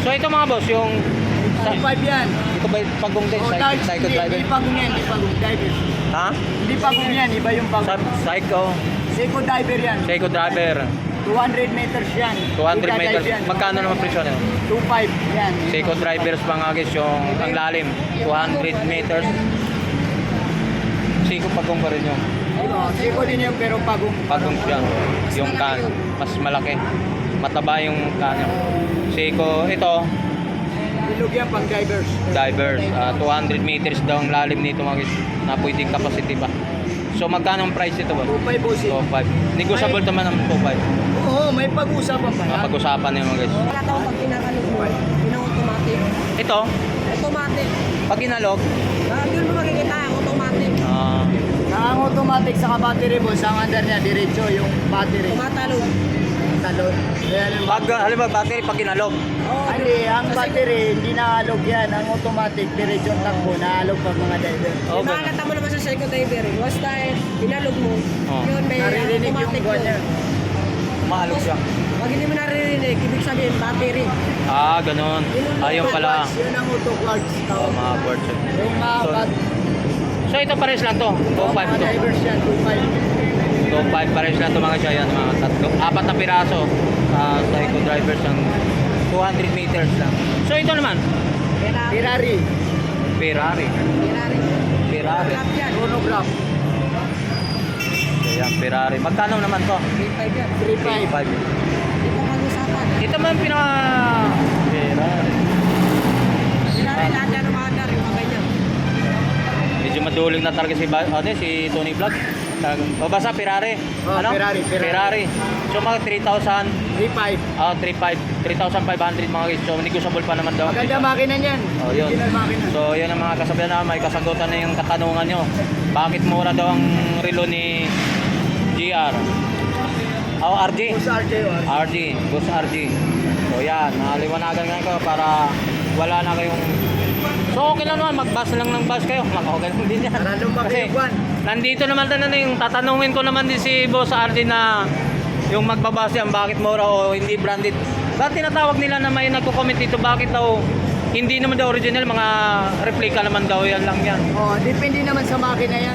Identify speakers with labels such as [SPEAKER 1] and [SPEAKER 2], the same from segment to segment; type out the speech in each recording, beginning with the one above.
[SPEAKER 1] So ito mga boss, yung...
[SPEAKER 2] 5 yan.
[SPEAKER 1] Ito ba yung pagong din? Psycho driver?
[SPEAKER 2] Hindi pagong yan, hindi pagong diver.
[SPEAKER 1] Ha?
[SPEAKER 2] Hindi pagong yan, iba yung pagong.
[SPEAKER 1] Psycho.
[SPEAKER 2] Seiko diver yan.
[SPEAKER 1] Psycho driver.
[SPEAKER 2] 200 meters yan.
[SPEAKER 1] 200 meters.
[SPEAKER 2] Yan.
[SPEAKER 1] Magkano naman presyo nito?
[SPEAKER 2] 2.5 yan.
[SPEAKER 1] Seiko drivers mga guys, yung ang lalim. 200 meters. Seiko pagong pa rin yung.
[SPEAKER 2] Seiko din yung pero pagong.
[SPEAKER 1] Pagong siya. Yung kan. Mas malaki. Mataba yung kan. Seiko. Ito.
[SPEAKER 2] Bilog yan pang divers.
[SPEAKER 1] Divers. 200 meters daw ang lalim nito mga guys. Na pwedeng capacity pa. So magkano ang price ito ba?
[SPEAKER 2] 2.5 boss.
[SPEAKER 1] 2.5. Negotiable naman ang 2.5.
[SPEAKER 2] Oo, may pag-usapan pa yan.
[SPEAKER 1] Pag-usapan niyo mga guys.
[SPEAKER 3] Wala tao pag pinakalog mo, pina-automatic.
[SPEAKER 1] Ito,
[SPEAKER 3] Automatic.
[SPEAKER 1] pag inalog,
[SPEAKER 3] Yun mo makikita, automatic.
[SPEAKER 2] Ang automatic sa battery boss, ang under niya, diretso yung battery.
[SPEAKER 3] Tumatalog.
[SPEAKER 2] Talon. Ayan yung
[SPEAKER 1] pag halimbawa battery pag inalog.
[SPEAKER 3] Oo.
[SPEAKER 2] Hindi, ang battery, hindi naalog yan. Ang automatic, diretso ang takbo, naalog pag mga diver.
[SPEAKER 1] Oh,
[SPEAKER 3] Makakata mo naman sa Seiko diver. Basta pinalog mo,
[SPEAKER 1] Oh.
[SPEAKER 3] yun may
[SPEAKER 2] Naririnig yung
[SPEAKER 3] automatic
[SPEAKER 2] buwan
[SPEAKER 3] yun.
[SPEAKER 2] niya.
[SPEAKER 1] Maalog siya.
[SPEAKER 3] Pag hindi mo naririnig, ibig sabihin battery.
[SPEAKER 1] Ganun. Ayun pala.
[SPEAKER 2] Yun ang auto quartz.
[SPEAKER 1] Mga quartz.
[SPEAKER 2] Yung mga
[SPEAKER 1] So ito pares lang to. 2.5
[SPEAKER 2] mga
[SPEAKER 1] to.
[SPEAKER 2] divers yan, 2.5.
[SPEAKER 1] 2.5 pares lang to mga siya. Yan mga tatlo. 4 na piraso. Psycho drivers ang 200 meters lang. So ito naman.
[SPEAKER 3] Ferrari.
[SPEAKER 2] Ferrari.
[SPEAKER 1] Ferrari.
[SPEAKER 3] Ferrari.
[SPEAKER 1] Ferrari.
[SPEAKER 3] Grab yan.
[SPEAKER 2] Chronograph.
[SPEAKER 1] Ayan, Ferrari. Magkano naman to?
[SPEAKER 3] 3.5 yan.
[SPEAKER 2] 3.5.
[SPEAKER 1] 5.
[SPEAKER 3] Hindi ko pag-usapan.
[SPEAKER 1] Ito man pinaka Ferrari.
[SPEAKER 3] Ferrari lahat yan umaandar, yung mga ganyan.
[SPEAKER 1] Medyo maduling na talaga si Tony Vlog. Babasa Ferrari.
[SPEAKER 2] Oh, Ferrari.
[SPEAKER 1] So mga 3,000,
[SPEAKER 2] 3.5.
[SPEAKER 1] 3,500 mga guys. So negotiable pa naman daw.
[SPEAKER 2] Maganda makina niyan.
[SPEAKER 1] Oh, yun.
[SPEAKER 2] Original makina.
[SPEAKER 1] So yun ang mga kasabihan na may kasagutan na yung katanungan nyo. Bakit mura daw ang relo ni GR? RG?
[SPEAKER 2] Boss RJ.
[SPEAKER 1] RG. Boss RG. So yan, naliwanagan nga ko para wala na kayong... So okay lang naman, mag-bus lang ng bus kayo. Okay lang din yan.
[SPEAKER 2] Para lumaki yung buwan.
[SPEAKER 1] Nandito naman na yung tatanungin ko naman din si Boss RG na yung magbabase yan, bakit mura o hindi branded. Bakit tinatawag nila na may nagko-comment dito, bakit daw hindi naman daw original, mga replica naman daw yan lang yan.
[SPEAKER 2] Oh, depende naman sa makina yan.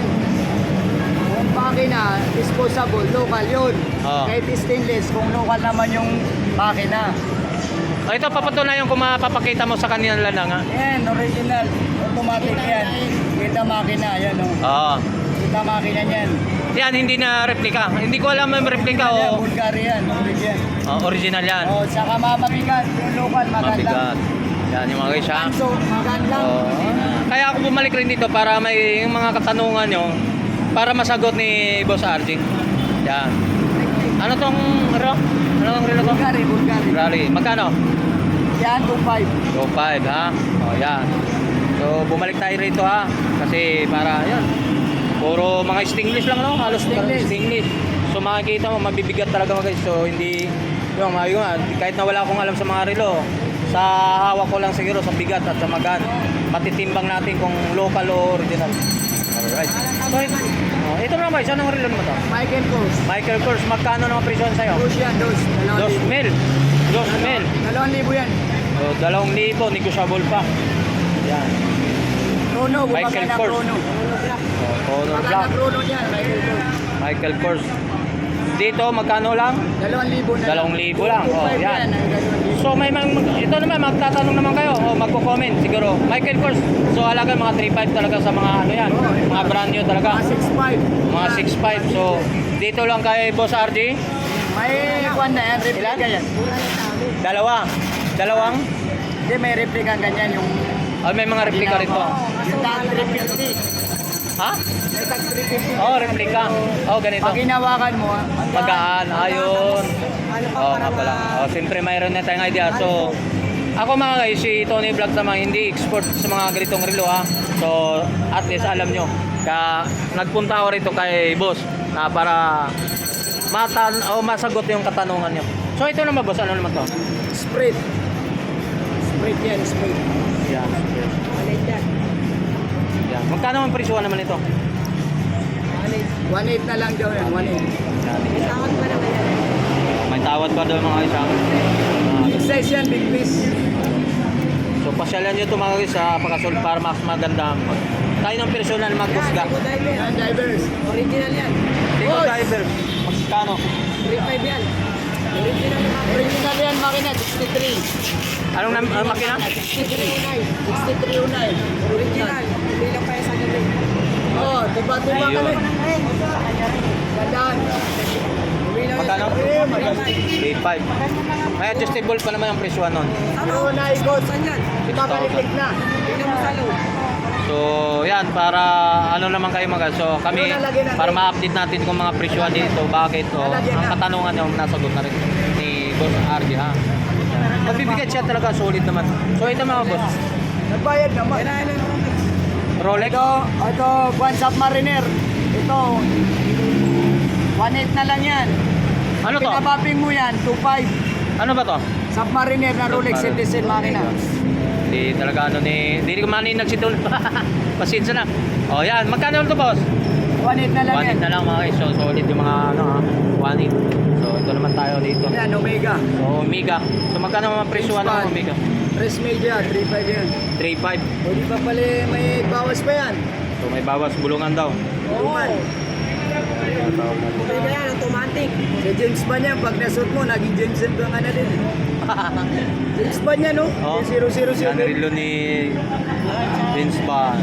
[SPEAKER 2] Kung makina, disposable, local yun.
[SPEAKER 1] Oh.
[SPEAKER 2] Kahit stainless, kung local naman yung makina.
[SPEAKER 1] Ito papatunayan kung mapapakita mo sa kanila lang ha.
[SPEAKER 2] Yan, original. Automatic yan. Kita makina, yan o.
[SPEAKER 1] Oo.
[SPEAKER 2] Kita makina yan.
[SPEAKER 1] Yan, hindi na replica. Hindi ko alam yung replica o
[SPEAKER 2] Bulgarian, original.
[SPEAKER 1] original yan.
[SPEAKER 2] Oh, saka mabigat. Yung local, maganda.
[SPEAKER 1] Mabigat. Yan yung mga guys ha.
[SPEAKER 2] So, maganda.
[SPEAKER 1] Oo. Kaya ako bumalik rin dito para may yung mga katanungan nyo para masagot ni Boss RG. Yan. Ano tong relo? Ano tong relo to?
[SPEAKER 2] Bulgari.
[SPEAKER 1] Ferrari. Magkano?
[SPEAKER 2] Yan, 2.5.
[SPEAKER 1] 2.5 ha. O yan. So bumalik tayo rito ha. Kasi para yan. Puro mga stainless lang no? Halos stainless. So makikita mo mabibigat talaga mga guys. So hindi yung kahit na wala akong alam sa mga relo, sa hawak ko lang siguro sa bigat at sa magaan. Matitimbang natin kung local o original. Alright. So, ito naman guys, anong relo naman to?
[SPEAKER 2] Michael Kors.
[SPEAKER 1] Michael Kors, magkano naman presyon sa'yo?
[SPEAKER 2] Dos yan, dos.
[SPEAKER 1] 2,000. 2,000.
[SPEAKER 2] 2,000 yan.
[SPEAKER 1] So, 2,000, negotiable pa. Yan.
[SPEAKER 2] Chrono,
[SPEAKER 1] Michael
[SPEAKER 2] gumagana
[SPEAKER 1] Kors.
[SPEAKER 2] Chrono.
[SPEAKER 1] Honor
[SPEAKER 2] Magana
[SPEAKER 1] Black.
[SPEAKER 2] Chrono yan, Michael Kors.
[SPEAKER 1] Michael Kors. Dito, magkano lang?
[SPEAKER 2] 2,000 na.
[SPEAKER 1] 2,000 lang. Oh,
[SPEAKER 2] 2.5
[SPEAKER 1] yan.
[SPEAKER 2] ang 2,000.
[SPEAKER 1] So, ito naman, magtatanong naman kayo. O, magko-comment siguro. Michael Kors. So, halaga mga 3,500 talaga sa mga ano yan. Mga brand new talaga.
[SPEAKER 2] Mga 6.5.
[SPEAKER 1] Mga 6,500. So, dito lang kay Boss RG.
[SPEAKER 2] May kwan na yan, replica yan.
[SPEAKER 1] Dalawang.
[SPEAKER 2] Hindi, may replica ganyan yung...
[SPEAKER 1] May mga replica rito.
[SPEAKER 2] Yung tag 350.
[SPEAKER 1] Ha?
[SPEAKER 2] May tag 350.
[SPEAKER 1] Oh, replica. Oh, ganito.
[SPEAKER 2] Pag hinawakan mo,
[SPEAKER 1] Magaan, ayun.
[SPEAKER 3] Ano pa
[SPEAKER 1] Oo
[SPEAKER 3] para
[SPEAKER 1] nga pala. Siyempre mayroon na tayong idea. So, ako mga guys, si Tony Vlog naman hindi expert sa mga ganitong relo ha. So, at least alam nyo. Kaya nagpunta ako rito kay boss na para masagot yung katanungan nyo. So, ito naman boss, ano naman to?
[SPEAKER 2] Spread. Spread yan, spread.
[SPEAKER 1] Yan.
[SPEAKER 3] Malit yan.
[SPEAKER 1] Yan. Magkano ang presyo naman ito?
[SPEAKER 3] Malit.
[SPEAKER 2] 1.8 na lang daw yan, 1.8.
[SPEAKER 1] Yan.
[SPEAKER 3] Tawag pa naman yan.
[SPEAKER 1] May tawad pa doon mga guys ha.
[SPEAKER 2] Big size yan, big piece.
[SPEAKER 1] pasyalan nyo ito mga guys sa Pakasol para mas maganda. Tayo ng personal maghusga.
[SPEAKER 3] Seco diver.
[SPEAKER 2] Yan, divers.
[SPEAKER 3] Original yan.
[SPEAKER 1] Seco
[SPEAKER 2] Boss!
[SPEAKER 1] diver. Magkano?
[SPEAKER 3] 3.5 yan. Original yung makina.
[SPEAKER 2] Original yan, makina, 63.
[SPEAKER 1] Anong makina?
[SPEAKER 2] 6309.
[SPEAKER 3] Original. Hindi lang pa yan sa gabi.
[SPEAKER 2] Oh, tuba-tuba ka
[SPEAKER 1] Ayun.
[SPEAKER 2] na. Gandaan.
[SPEAKER 3] Umilaw
[SPEAKER 1] Magkano?
[SPEAKER 3] yan. 3.5.
[SPEAKER 1] 8.5. May adjustable pa naman ang presyo nun.
[SPEAKER 2] Ano na ikot?
[SPEAKER 3] Saan yan?
[SPEAKER 2] Di ba kaliklik na?
[SPEAKER 3] Tingnan mo sa loob.
[SPEAKER 1] So, yan, para ano naman kayo mga so kami, para ma-update natin kung mga presyoan dito, bakit, o ang katanungan nyo, nasagot na rin ni Boss RJ, ha? Magbibigay siya talaga, solid naman. So, ito mga boss,
[SPEAKER 2] Nagbayad naman.
[SPEAKER 3] Kailangan ng Rolex.
[SPEAKER 1] Rolex,
[SPEAKER 2] Ito, Juan Submariner. Ito, 1.8 na lang yan.
[SPEAKER 1] ano to?
[SPEAKER 2] Pinabapping mo yan, 2.5.
[SPEAKER 1] Ano ba to?
[SPEAKER 2] Submariner na Rolex Citizen makina.
[SPEAKER 1] Hindi talaga ano ni, hindi ko manin nagsitul. Pasensya na. O yan, magkano to boss?
[SPEAKER 2] 1.8 na lang yan.
[SPEAKER 1] 1.8 na lang mga guys, so solid yung mga ano ha, 1.8. So, ito naman tayo dito.
[SPEAKER 2] Yan, Omega.
[SPEAKER 1] So, Omega. So, magkano mga presyoan ng Omega?
[SPEAKER 2] Press media, 3.5 yan.
[SPEAKER 1] 3.5.
[SPEAKER 2] O di ba pala may bawas pa yan?
[SPEAKER 1] So, may bawas bulungan daw.
[SPEAKER 2] Tuman.
[SPEAKER 3] Pwede yan, automatic.
[SPEAKER 2] Si James Bond yan, pag nasuot mo, naging James Bond ka na din. James Bond yan, no?
[SPEAKER 1] Oh,
[SPEAKER 2] Yung 007.
[SPEAKER 1] yan rilo ni Vince Bond.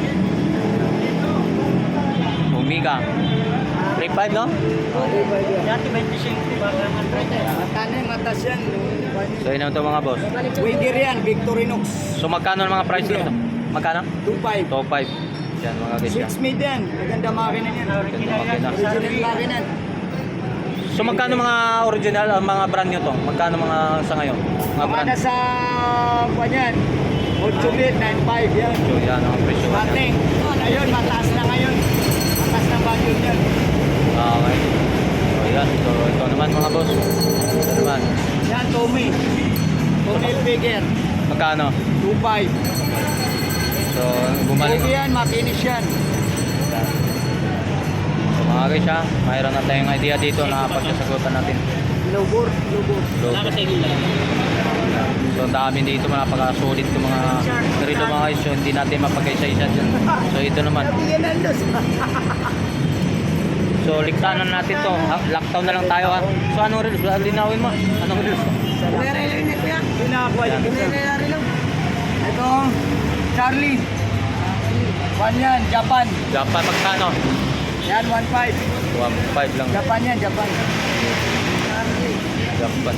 [SPEAKER 1] Omega. 3.5 no?
[SPEAKER 2] Oh, 3.5 yan. Mata na yung matas yan.
[SPEAKER 1] So, yun naman ito mga boss.
[SPEAKER 2] Winger yan, Victorinox.
[SPEAKER 1] So, magkano ang mga price nito? Magkano?
[SPEAKER 2] 2.5.
[SPEAKER 1] Top 5. Yan mga guys yan.
[SPEAKER 2] 6 mid yan. Maganda makina yan.
[SPEAKER 1] Ganda makina.
[SPEAKER 2] Original makina.
[SPEAKER 1] So, magkano mga original, ang mga brand nyo to? Magkano mga sa ngayon? Mga brand?
[SPEAKER 2] Mga nasa, kwan yan, 8 mid, 9.5 yan.
[SPEAKER 1] So, yan ang presyo.
[SPEAKER 2] Mating. Ngayon, mataas na ngayon. Mataas na value yan.
[SPEAKER 1] Okay. So, yan. So, ito naman mga boss. Ito naman.
[SPEAKER 2] Yan, Tommy. Tommy Hilfiger.
[SPEAKER 1] Magkano?
[SPEAKER 2] 2.5.
[SPEAKER 1] So, bumalik.
[SPEAKER 2] Okay yan, makinis yan.
[SPEAKER 1] So, mga guys ha, mayroon na tayong idea dito na pagsasagutan natin.
[SPEAKER 2] Lubor, lubor.
[SPEAKER 1] So, ang dami dito, napaka-solid itong mga relo mga guys. So, hindi natin mapagkaisa-isa dyan. So, ito naman.
[SPEAKER 2] Bigyan ng dos.
[SPEAKER 1] So, liktanan natin to. Lockdown na lang tayo ha. So, anong reels? Linawin mo. Anong reels?
[SPEAKER 3] Nare-line ko yan.
[SPEAKER 2] Pinakakuha
[SPEAKER 1] Yan.
[SPEAKER 2] yung
[SPEAKER 3] Nare-line lang.
[SPEAKER 2] Ito, Charlie. One yan, Japan.
[SPEAKER 1] Japan, magkano?
[SPEAKER 2] Yan, 1.5.
[SPEAKER 1] 1.5 lang.
[SPEAKER 2] Japan yan, Japan.
[SPEAKER 1] Japan.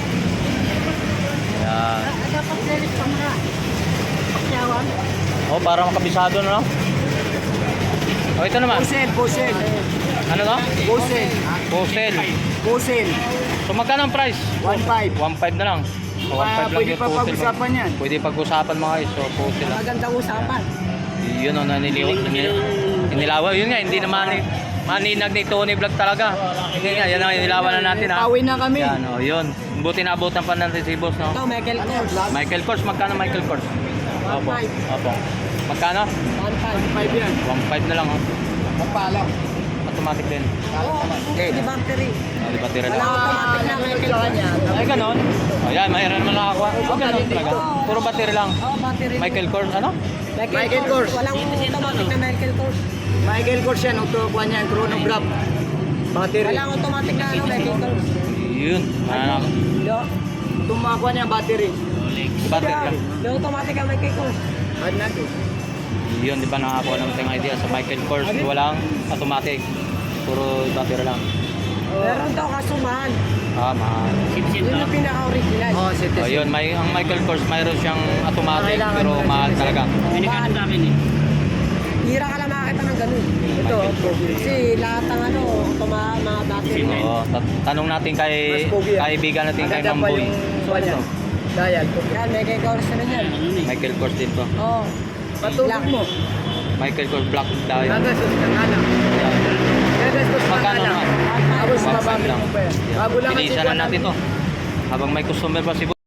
[SPEAKER 1] Yan.
[SPEAKER 3] Dapat series pa mga. Pakyawan.
[SPEAKER 1] Oh, para makabisado na no? Oh, ito naman.
[SPEAKER 2] Pusel, pusel.
[SPEAKER 1] Ano to?
[SPEAKER 2] Pusel.
[SPEAKER 1] Posel.
[SPEAKER 2] Pusel.
[SPEAKER 1] So, magkano ang price?
[SPEAKER 2] 1.5.
[SPEAKER 1] 1.5 na lang. So, 1.5 lang
[SPEAKER 2] Pwede
[SPEAKER 1] yung
[SPEAKER 2] pa
[SPEAKER 1] posel.
[SPEAKER 2] pag-usapan yan.
[SPEAKER 1] Pwede pag-usapan mga guys. So, posel lang.
[SPEAKER 3] Magandang usapan.
[SPEAKER 1] Yun o, inilawan. Yun nga, hindi naman maninag ni Tony Vlog talaga. Hindi nga, yan ang inilawan na natin ha.
[SPEAKER 2] Pawin na kami.
[SPEAKER 1] Yan o, yun. Buti naabutan pa natin si boss, no?
[SPEAKER 3] Ito, Michael Kors.
[SPEAKER 1] Michael Kors, magkano Michael Kors? Opo.
[SPEAKER 3] 1.5.
[SPEAKER 1] Opo. Magkano?
[SPEAKER 3] 1.5.
[SPEAKER 2] 1.5 yan.
[SPEAKER 1] 1.5 na lang, oh.
[SPEAKER 2] Magpaalam.
[SPEAKER 1] Automatic din.
[SPEAKER 3] Oo, di battery.
[SPEAKER 1] Oh, di ba tira
[SPEAKER 3] Wala
[SPEAKER 1] lang?
[SPEAKER 3] automatic na Michael Kors.
[SPEAKER 1] Ay, ganon. Oh, yan, mayroon man lang ako. Oh, ganon talaga. Puro battery lang.
[SPEAKER 3] Oo, battery.
[SPEAKER 1] Michael Kors, ano?
[SPEAKER 2] Michael Kors.
[SPEAKER 3] Walang automatic na Michael Kors.
[SPEAKER 2] Michael Kors yan, kuha niyan, chronograph. Battery.
[SPEAKER 3] Walang automatic na ano, Michael Kors.
[SPEAKER 1] Yun. Ano?
[SPEAKER 3] Yo.
[SPEAKER 2] Tumakuha niya battery.
[SPEAKER 1] Battery lang.
[SPEAKER 3] Yung automatic na Michael Kors.
[SPEAKER 2] Add natin.
[SPEAKER 1] Yun, di ba nakakuha ng ting idea sa Michael Kors, walang automatic. Puro battery lang.
[SPEAKER 3] Meron daw kasumahan.
[SPEAKER 1] Ah, mahal.
[SPEAKER 3] Yun yung pinaka-original.
[SPEAKER 2] Oh,
[SPEAKER 1] Oh,
[SPEAKER 2] citizen.
[SPEAKER 1] yun, ang Michael Kors mayroon siyang automatic
[SPEAKER 2] Kailangan
[SPEAKER 1] pero
[SPEAKER 2] mo
[SPEAKER 1] mahal
[SPEAKER 2] citizen.
[SPEAKER 1] talaga.
[SPEAKER 3] Mahal. Hira ka lang makakita ng ganun.
[SPEAKER 2] Ito,
[SPEAKER 3] Kasi lahat ng ano, mga battery.
[SPEAKER 1] So, tanong natin kay
[SPEAKER 2] Mas pogi yan.
[SPEAKER 1] kaibigan natin kay
[SPEAKER 2] Maganda
[SPEAKER 1] Ma'am
[SPEAKER 2] pa
[SPEAKER 1] Boy.
[SPEAKER 2] yung
[SPEAKER 1] So,
[SPEAKER 2] kuha
[SPEAKER 1] ano
[SPEAKER 2] niya.
[SPEAKER 1] to?
[SPEAKER 2] Dial.
[SPEAKER 3] Yan, Michael Kors na rin yan.
[SPEAKER 1] Michael Kors din to.
[SPEAKER 3] Oo.
[SPEAKER 2] Patulog mo.
[SPEAKER 1] Michael Kors Black Diamond.
[SPEAKER 2] Gagastos ka nga lang. Gagastos ka
[SPEAKER 1] Magkano
[SPEAKER 2] nga lang.
[SPEAKER 1] naman?
[SPEAKER 2] Tapos
[SPEAKER 1] 1.5
[SPEAKER 2] babalik
[SPEAKER 1] lang.
[SPEAKER 2] mo pa yan.
[SPEAKER 1] Yan.
[SPEAKER 2] Bago lang kasi
[SPEAKER 1] Bilisan na natin to. Habang may customer pa si